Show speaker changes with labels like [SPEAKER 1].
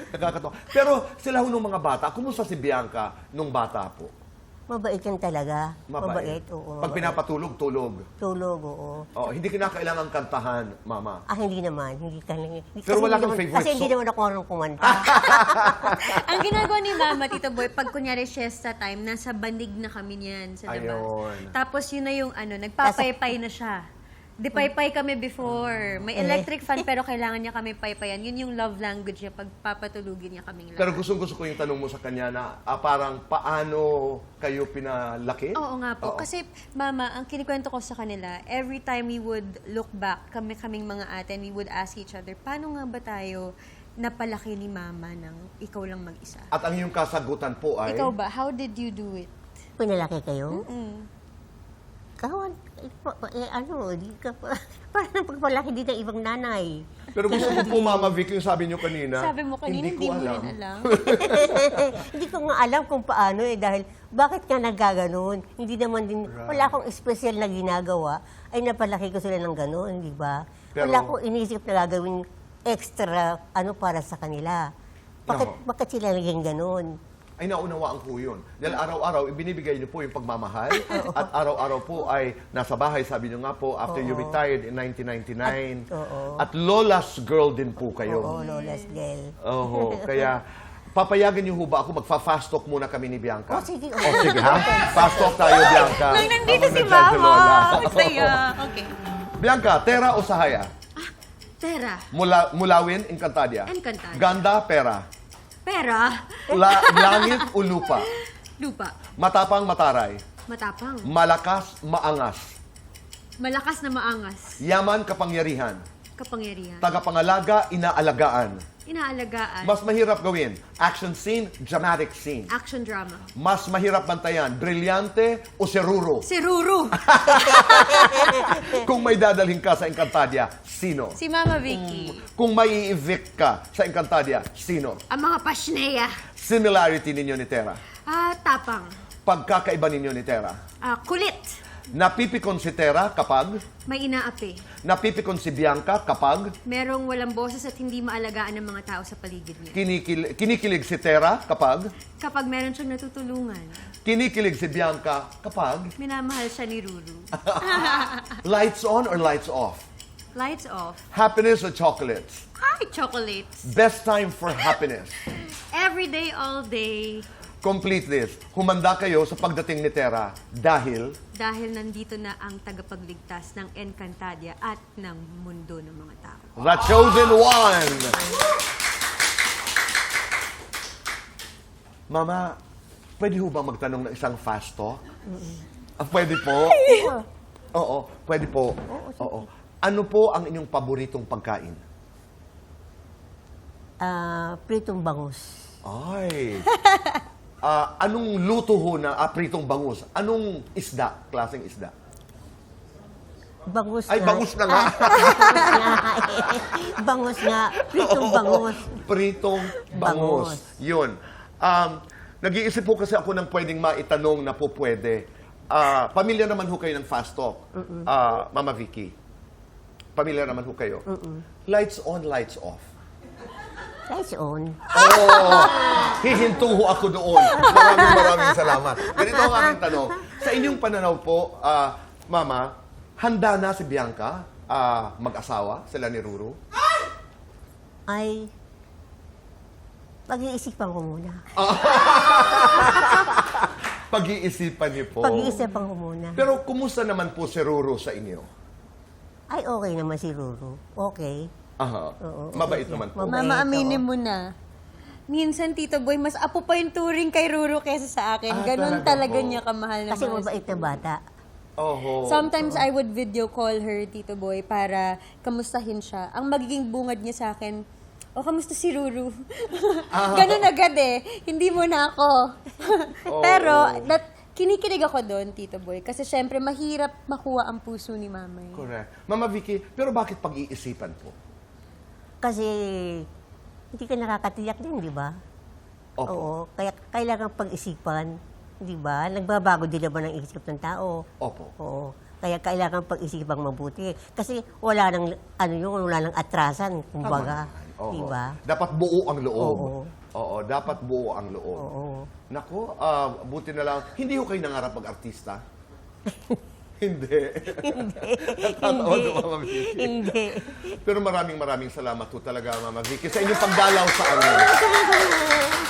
[SPEAKER 1] Nakakatawa. Pero sila ho nung mga bata, kumusta si Bianca nung bata po?
[SPEAKER 2] Mabait yan talaga. Mabait, oo.
[SPEAKER 1] Pag pinapatulog, tulog.
[SPEAKER 2] Tulog, oo.
[SPEAKER 1] Oh, hindi kinakailangan kantahan, Mama.
[SPEAKER 2] Ah, hindi naman. Hindi ka
[SPEAKER 1] Pero wala kang favorite
[SPEAKER 2] Kasi hindi
[SPEAKER 1] song?
[SPEAKER 2] naman ako marunong kumanta.
[SPEAKER 3] Ang ginagawa ni Mama, Tito Boy, pag kunyari siesta time, nasa bandig na kami niyan sa labas.
[SPEAKER 1] Ayun.
[SPEAKER 3] Tapos yun na yung nagpapaypay na siya. Di paypay kami before. May electric fan pero kailangan niya kami paypayan. Yun yung love language niya pag papatulugin niya kaming lahat.
[SPEAKER 1] Pero gustong-gusto ko yung tanong mo sa kanya na parang paano kayo pinalaki?
[SPEAKER 3] Oo nga po.
[SPEAKER 1] Oo.
[SPEAKER 3] Kasi, Mama, ang kinikwento ko sa kanila, every time we would look back, kaming mga ate, and we would ask each other, paano nga ba tayo napalaki ni Mama ng ikaw lang mag-isa?
[SPEAKER 1] At ang iyong kasagutan po ay...
[SPEAKER 3] Ikaw ba? How did you do it?
[SPEAKER 2] Pinalaki kayo? Kawan, di ka pa, parang pagpalaki din ng ibang nanay.
[SPEAKER 1] Pero gusto ko po, Mama Vic, yung sabi niyo kanina.
[SPEAKER 3] Sabi mo kanina, hindi mo rin alam.
[SPEAKER 2] Hindi ko nga alam kung paano dahil bakit ka nagkaganon? Hindi naman din, wala akong espesyal na ginagawa, ay napalaki ko sila ng ganon, di ba?
[SPEAKER 1] Pero-
[SPEAKER 2] Wala akong inisip na gagawin extra para sa kanila. Bakit sila naging ganon?
[SPEAKER 1] Ay naunawaan po yun. Dahil araw-araw, ibinibigay niyo po yung pagmamahal. At araw-araw po ay nasa bahay, sabi niyo nga po, after you retired in 1999. At Lola's girl din po kayo.
[SPEAKER 2] Oo, Lola's girl.
[SPEAKER 1] Oho, kaya papayagan niyo ho ba ako magfa-fast talk muna kami ni Bianca?
[SPEAKER 2] Oh, sige.
[SPEAKER 1] Oh, sige ha? Fast talk tayo, Bianca.
[SPEAKER 3] Nang nandito
[SPEAKER 1] Habang
[SPEAKER 3] si
[SPEAKER 1] nandyan si Lola.
[SPEAKER 3] Mama. Masaya. Okay.
[SPEAKER 1] Bianca, Tera o Sahaya?
[SPEAKER 3] Tera.
[SPEAKER 1] Mulawin, Encantadia.
[SPEAKER 3] Encantadia.
[SPEAKER 1] Ganda, pera.
[SPEAKER 3] Pera.
[SPEAKER 1] Langit o lupa?
[SPEAKER 3] Lupa.
[SPEAKER 1] Matapang, mataray.
[SPEAKER 3] Matapang.
[SPEAKER 1] Malakas, maangas.
[SPEAKER 3] Malakas na maangas.
[SPEAKER 1] Yaman, kapangyarihan.
[SPEAKER 3] Kapangyarihan.
[SPEAKER 1] Tagapangalaga, inaalagaan.
[SPEAKER 3] Inaalagaan.
[SPEAKER 1] Mas mahirap gawin, action scene, dramatic scene.
[SPEAKER 3] Action drama.
[SPEAKER 1] Mas mahirap bantayan, brilyante o seruro.
[SPEAKER 3] Si Ruru.
[SPEAKER 1] Kung may dadalhin ka sa Encantadia, sino?
[SPEAKER 3] Si Mama Vicky.
[SPEAKER 1] Kung may i-evict ka sa Encantadia, sino?
[SPEAKER 3] Ang mga pasneya.
[SPEAKER 1] Similarity ninyo ni Tera.
[SPEAKER 3] Tapang.
[SPEAKER 1] Pagkakaiba ninyo ni Tera.
[SPEAKER 3] Kulit.
[SPEAKER 1] Napipikon si Tera kapag,
[SPEAKER 3] May inaapi.
[SPEAKER 1] napipikon si Bianca kapag,
[SPEAKER 3] Merong walang boses at hindi maalagaan ng mga tao sa paligid niya.
[SPEAKER 1] kinikilig si Tera kapag,
[SPEAKER 3] Kapag meron siyang natutulungan,
[SPEAKER 1] kinikilig si Bianca kapag,
[SPEAKER 3] minamahal siya ni Ruru.
[SPEAKER 1] lights on or lights off?
[SPEAKER 3] Lights off.
[SPEAKER 1] Happiness or chocolates?
[SPEAKER 3] Hi, chocolates.
[SPEAKER 1] Best time for happiness.
[SPEAKER 3] Every day, all day.
[SPEAKER 1] Complete this. Humanda kayo sa pagdating ni Tera dahil
[SPEAKER 3] Dahil nandito na ang tagapagligtas ng Encantadia at ng mundo ng mga tao.
[SPEAKER 1] the chosen one. Mama, pwede ho ba magtanong ng isang fast talk? Pwede po? Oo, pwede po. Oo. Ano po ang inyong paboritong pagkain?
[SPEAKER 2] Pritong bangus.
[SPEAKER 1] Ay. Anong luto ho na pritong bangus? Anong isda? Klaseng isda?
[SPEAKER 2] Bangus
[SPEAKER 1] Ay,
[SPEAKER 2] nga.
[SPEAKER 1] bangus na nga.
[SPEAKER 2] Bangus nga. Pritong bangus.
[SPEAKER 1] Pritong bangus.
[SPEAKER 2] Bangus.
[SPEAKER 1] Yun. Nag-iisip po kasi ako ng pwedeng maitanong na po pwede. Pamilya naman ho kayo ng fast talk. Mama Vicky. Pamilya naman ho kayo. Lights on, lights off.
[SPEAKER 2] Lights on.
[SPEAKER 1] Hihinto ho ako doon. Maraming salamat. Ganito ang aking tanong. Sa inyong pananaw po, Mama, handa na si Bianca mag-asawa sila ni Ruru?
[SPEAKER 2] Ay, pag-iisipan ko muna.
[SPEAKER 1] Pag-iisipan niyo po.
[SPEAKER 2] Pag-iisipan ko muna.
[SPEAKER 1] Pero kumusta naman po si Ruru sa inyo?
[SPEAKER 2] Ay, okay naman si Ruru. Okay.
[SPEAKER 1] Aha.
[SPEAKER 2] Oo,
[SPEAKER 1] Mabait
[SPEAKER 2] okay.
[SPEAKER 1] naman po.
[SPEAKER 2] Mabait.
[SPEAKER 3] Mama, aminin
[SPEAKER 2] oo.
[SPEAKER 3] mo na. Minsan, Tito Boy, mas apo pa yung turing kay Ruru kaysa sa akin. Ganon
[SPEAKER 1] talaga
[SPEAKER 3] talaga
[SPEAKER 1] po.
[SPEAKER 3] niya kamahal na
[SPEAKER 2] Kasi
[SPEAKER 3] mahal
[SPEAKER 2] mabait na bata.
[SPEAKER 1] Oho.
[SPEAKER 3] Sometimes I would video call her, Tito Boy, para kamustahin siya. Ang magiging bungad niya sa akin, kamusta si Ruru? Ganon agad eh. Hindi mo na ako. Pero, kinikilig ako doon, Tito Boy. Kasi syempre, mahirap makuha ang puso ni Mama.
[SPEAKER 1] Correct. Mama Vicky, pero bakit pag-iisipan po?
[SPEAKER 2] Kasi hindi ka nakakatiyak din, di ba?
[SPEAKER 1] Opo.
[SPEAKER 2] Oo. Kaya kailangan pag-isipan, di ba? Nagbabago din naman ang isip ng tao.
[SPEAKER 1] Opo.
[SPEAKER 2] Oo. Kaya kailangan pag-isipang mabuti. Kasi wala nang, wala nang atrasan, kumbaga.
[SPEAKER 1] Oo.
[SPEAKER 2] Diba?
[SPEAKER 1] Dapat buo ang loob.
[SPEAKER 2] Oo.
[SPEAKER 1] Oo, dapat buo ang loob.
[SPEAKER 2] Oo.
[SPEAKER 1] Nako, buti na lang. Hindi ko kayo nangarap mag-artista? Hindi. Natatawa si Mama Vicky.
[SPEAKER 2] Hindi.
[SPEAKER 1] Pero maraming salamat po talaga, Mama Vicky, sa inyong pagdalaw sa amin.